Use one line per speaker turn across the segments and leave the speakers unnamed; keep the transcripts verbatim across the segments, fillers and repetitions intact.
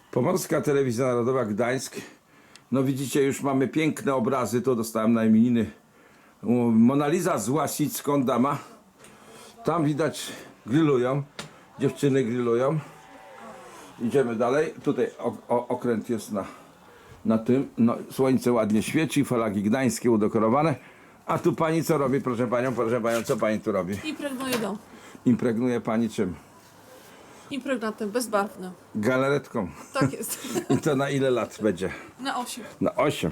Pomorska Telewizja Narodowa Gdańsk. No widzicie, już mamy piękne obrazy. To dostałem na imieniny. Mona Lisa z Łasicką dama. Tam widać grillują. Dziewczyny grillują. Idziemy dalej. Tutaj o, o, okręt jest na, na tym. No, słońce ładnie świeci. Flagi gdańskie udekorowane. A tu pani co robi, proszę panią? Proszę panią, co pani tu robi?
Impregnuje dom.
Impregnuje pani czym?
Impregnatem bezbarwnym.
Galaretką.
Tak jest.
I to na ile lat będzie?
Na osiem.
Na osiem.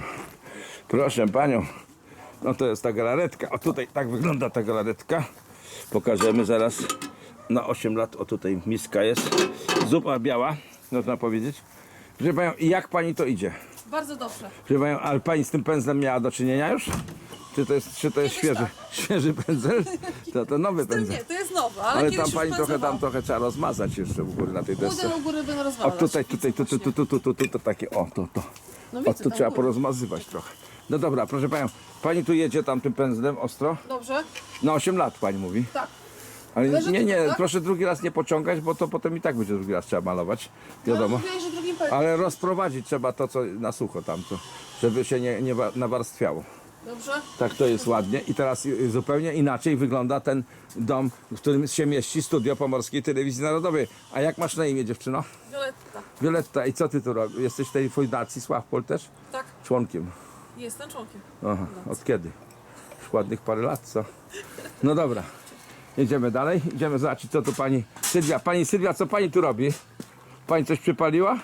Proszę panią. No to jest ta galaretka. O tutaj tak wygląda ta galaretka. Pokażemy zaraz. Na osiem lat. O tutaj miska jest. Zupa biała, można powiedzieć. Proszę panią, i jak pani to idzie?
Bardzo dobrze.
Proszę panią, ale pani z tym pędzlem miała do czynienia już? Czy to jest, czy to jest
Kiedyś
świeży, świeży pędzel? To, to nowy
To
pędzel.
nie, to jest nowe, ale,
Ale
kiedyś
tam pani
już
trochę, tam
pędzlował.
trochę trzeba rozmazać jeszcze w góry na tej desce.
Pójdę do góry, będę
O
rozwalać.
tutaj, tutaj, tu, tu, tu, tu, tu, tu, tu, to takie, o, to, to.
No
O,
widzę,
tu
tam
trzeba
góry.
porozmazywać trochę. No dobra, proszę panią, pani tu jedzie tam tym pędzlem ostro?
Dobrze?
Na osiem lat pani mówi.
Tak.
Ale
Leży
nie, nie,
tutaj, tak?
proszę drugi raz nie pociągać, bo to potem i tak będzie drugi raz trzeba malować. Wiadomo.
No, mówiłeś, że drugim pędzlem.
Ale rozprowadzić trzeba to, co na sucho tamto, żeby się nie, nie wa- nawarstwiało.
Dobrze?
Tak to jest ładnie. I teraz y, zupełnie inaczej wygląda ten dom, w którym się mieści studio Pomorskiej Telewizji Narodowej. A jak masz na imię, dziewczyno?
Violetta.
Violetta. I co ty tu robisz? Jesteś w tej fundacji Sławpol też?
Tak,
Członkiem.
jestem członkiem.
Aha, od kiedy? Już ładnych parę lat, co? No dobra. Jedziemy dalej. Idziemy zobaczyć, co tu pani Sylwia. Pani Sylwia, co pani tu robi? Pani coś przypaliła?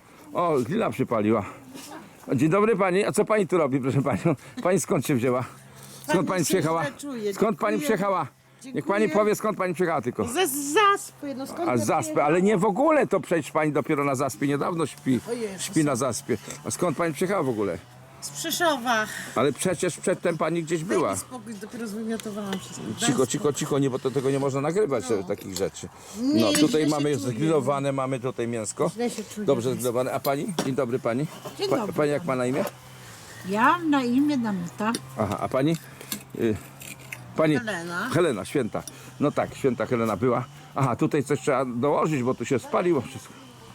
O, grilla przypaliła. Dzień dobry pani. A co pani tu robi, proszę panią? Pani skąd się wzięła? Skąd pani
Pani
przyjechała?
się źle czuje.
Skąd pani
Dziękuję.
przyjechała? Niech
Dziękuję.
pani powie, skąd pani przyjechała tylko.
Ze zaspy, no skąd
A
ja
z zaspy,
przyjechałam?
ale nie w ogóle, to przecież pani dopiero na zaspie niedawno śpi.
O Jezus.
Śpi na zaspie. A skąd pani przyjechała w ogóle?
Z Przeszowa.
Ale przecież przedtem pani gdzieś była.
Daj mi spokój, dopiero zwymiotowałam wszystko.
Cicho, cicho, cicho, nie, bo to tego nie można nagrywać, no. takich rzeczy. No,
Nie,
tutaj
źle
mamy
się
już
czuję.
zgrillowane, mamy tutaj mięsko.
Źle się czuję.
Dobrze zgrillowane. A pani? Dzień dobry pani.
Dzień
Pa,
dobry.
pani jak ma na imię?
Ja mam na imię Danuta.
Aha, a pani? Y, pani
Helena.
Helena, święta. No tak, święta Helena była. Aha, tutaj coś trzeba dołożyć, bo tu się spaliło wszystko.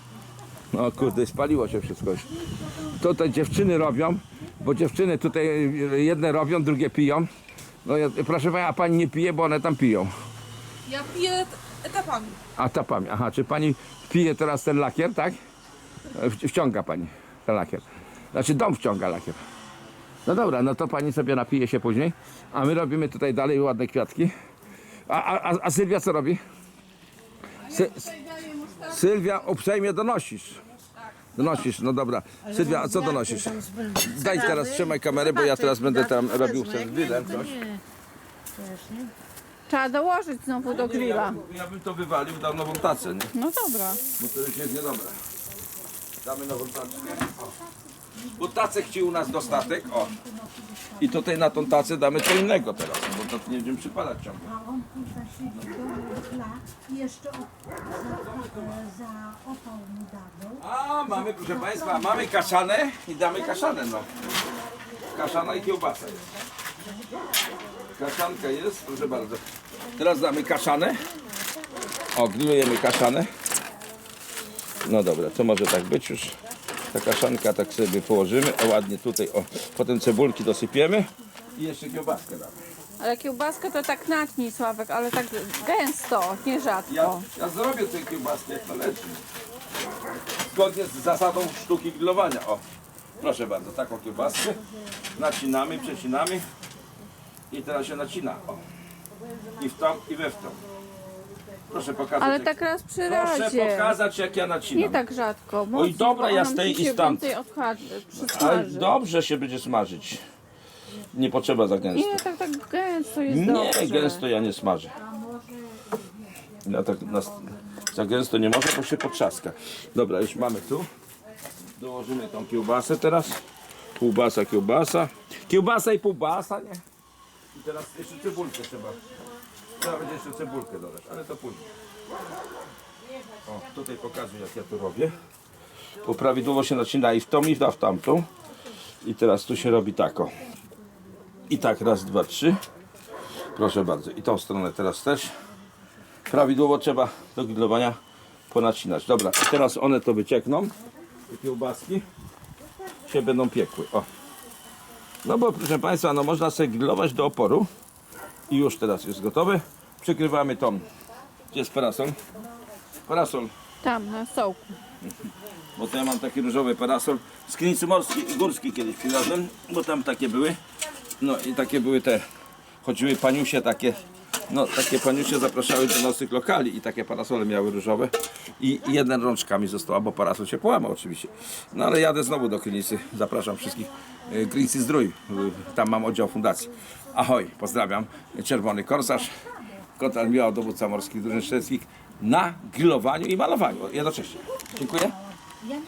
No kurde, spaliło się wszystko już. Tutaj dziewczyny robią, bo dziewczyny tutaj jedne robią, drugie piją. No ja, proszę pani, a pani nie pije, bo one tam piją.
Ja piję etapami.
A ta pani, aha, czy pani pije teraz ten lakier, tak? W- Wciąga pani ten lakier. Znaczy dom wciąga lakier. No dobra, no to pani sobie napije się później. A my robimy tutaj dalej ładne kwiatki. A, a, a, a Sylwia co robi? Sy Sylwia, uprzejmie donosisz. Donosisz, no dobra. Sylwia, a co donosisz? Daj teraz, trzymaj kamerę, bo ja teraz będę tam robił z grillem coś.
Trzeba dołożyć znowu do grilla.
Ja bym to wywalił, dał nową tacę, nie?
No dobra.
Bo to już jest niedobre. Damy nową taczkę. O. Bo tacek ci u nas dostatek. O. I tutaj na tą tacę damy co innego teraz, bo to nie będziemy przypadać ciągle.
A on tu zasiedzi do tla i jeszcze o, za, za opał mu dawał.
A mamy, proszę Państwa, mamy kaszanę i damy kaszanę, no. Kaszana i kiełbasa jest. Kaszanka jest, proszę bardzo. Teraz damy kaszanę. O, grillujemy kaszanę. No dobra, to może tak być już. Ta kaszanka tak sobie położymy. O, ładnie tutaj, o. Potem cebulki dosypiemy. I jeszcze kiełbaskę damy.
Ale kiełbaskę to tak natnij, Sławek, ale tak gęsto, nie
Ja,
rzadko.
ja zrobię tę kiełbaskę jak należy. Zgodnie z zasadą sztuki grillowania. O, proszę bardzo, taką kiełbaskę. Nacinamy, przecinamy. I teraz się nacina. O. I w tą, i we w tą. Proszę pokazać.
Ale
jak,
tak raz przy
proszę
razie.
pokazać jak ja nacinam.
Nie tak rzadko.
Oj,
mocno,
dobra,
bo
ja
nam
z tej
ci
i
się
stamtąd.
więcej odchadzi,
Ale
przysmaży.
dobrze się będzie smażyć. Nie potrzeba za gęsto.
Nie, tak, tak gęsto jest
Nie,
dobrze.
gęsto ja nie smażę. Ja tak na, za gęsto nie może, bo się potrzaska. Dobra, już mamy tu. Dołożymy tą kiełbasę teraz. Półbasa, kiełbasa. Kiełbasa i półbasa, nie? I teraz jeszcze cebulkę trzeba. Trzeba będzie jeszcze cebulkę dodać, ale to później. O, tutaj pokazuję jak ja to robię. Bo prawidłowo się nacina i w tą i w tamtą. I teraz tu się robi tak o. I tak raz, dwa, trzy. Proszę bardzo. I tą stronę teraz też. Prawidłowo trzeba do grillowania ponacinać. Dobra, i teraz one to wyciekną. te kiełbaski się będą piekły. O. No bo proszę Państwa, no można sobie grillować do oporu i już teraz jest gotowy. Przykrywamy tą. Gdzie jest parasol? Parasol.
Tam, na stołku.
Bo to ja mam taki różowy parasol z Krynicy Morskiej, Górskiej kiedyś przywiozłem, bo tam takie były. No i takie były te, chodziły paniusie takie, no takie paniusie zapraszały do nocnych lokali i takie parasole miały różowe. I jeden rączka mi została, bo parasol się połamał oczywiście. No ale jadę znowu do Krynicy, zapraszam wszystkich. y, Krynicy Zdrój, y, tam mam oddział fundacji. Ahoj, pozdrawiam. Czerwony Korsarz, Kotal Miał, dowódca morskich drużyn strzeleckich na grillowaniu i malowaniu jednocześnie. Dziękuję.